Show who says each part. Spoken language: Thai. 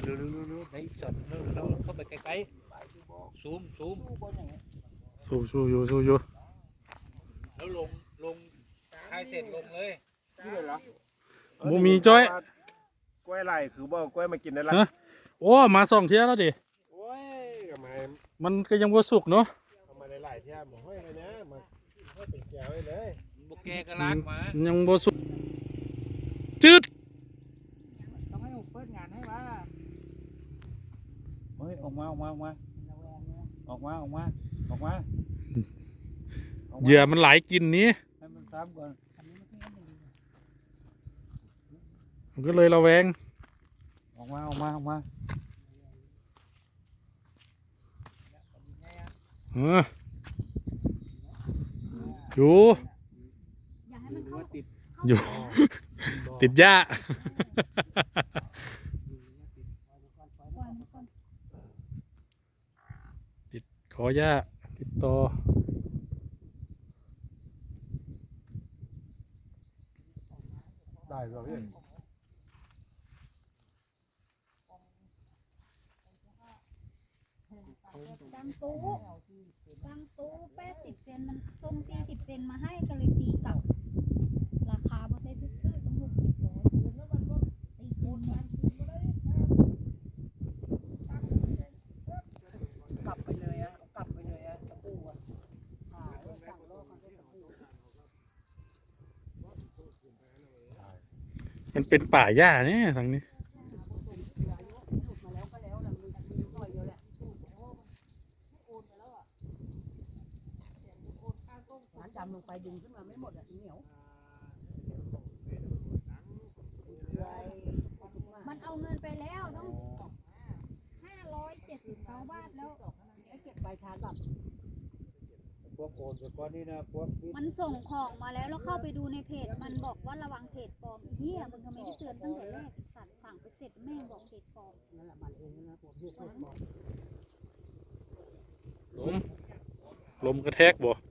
Speaker 1: เร็วได้ช็อตเร็วเข้าไปใกล้ๆซูม
Speaker 2: สู้อยู่
Speaker 1: แล้วลงคลายเสร็จลงเลย
Speaker 3: นี่เลยเหรอ
Speaker 2: บ่มีจ้อย
Speaker 3: กล้วยไหลคือบ่กล้วยมากินได้ละ
Speaker 2: ฮะโอ้มา2 เที่ยแล้วดิ
Speaker 3: โอ้ยทำไม
Speaker 2: มันก็ยังบ่สุกเนาะ
Speaker 3: ทำไมหลายๆเที่ยหมห้อยเลยนะมาห้อยเป็นแก้วเลย
Speaker 1: บุกแกก็ลากมา
Speaker 2: ยังบ่สุกจืด
Speaker 4: ต้องให้ผมเปิดงานให้ว่า
Speaker 1: เฮ้ยออกมา
Speaker 2: เหยื่อมันหลายกินนี้
Speaker 1: ให้มันซ้ำก่อน
Speaker 2: มันก็เลยระแวง
Speaker 1: ออกมา
Speaker 2: อยู่
Speaker 5: อย่าให้มันเข้า
Speaker 2: อยู่ ติดหญ้า ติดขอหญ้าติดต่อ
Speaker 3: ได้ก็พี่
Speaker 5: ตั้งตู้80 เซนมันตรง40 เซนมาให้ก็เลยตีกลับราคาบ่ได้ซื้อต้อง60 ร้อยตีคูณเนี่ย
Speaker 4: กลับไปเลยอะกลับไปเลยอะตะปูอะสั่งโลกมันได้ตะปู
Speaker 2: มันเป็นป่าหญ้าเนี่ยทางนี้
Speaker 4: มาแล้วก็แล้วนะมีหน่อยเดียวแหละร้านดำลงไปดึงขึ้นมาไม่หมดอ่ะเหนียว
Speaker 5: มันเอาเงินไปแล้วต้อง579 บาทแล้ว
Speaker 4: ไอ้เก็บใบทานแบบ
Speaker 1: พวกโอนไปก้อนนี้นะพวกนี้
Speaker 5: มันส่งของมาแล้วเข้าไปดูในเพจมันบอกว่าระวังเพจปลอมเหี้ยมึงทำไมไม่เตือนตั้งแต่แรกสัตว์สั่งไปเสร็จแม่งบอกเพจปลอม
Speaker 4: นั่นแหละมันเองนะผมเรียกบอก
Speaker 2: ลมกระแทกบ่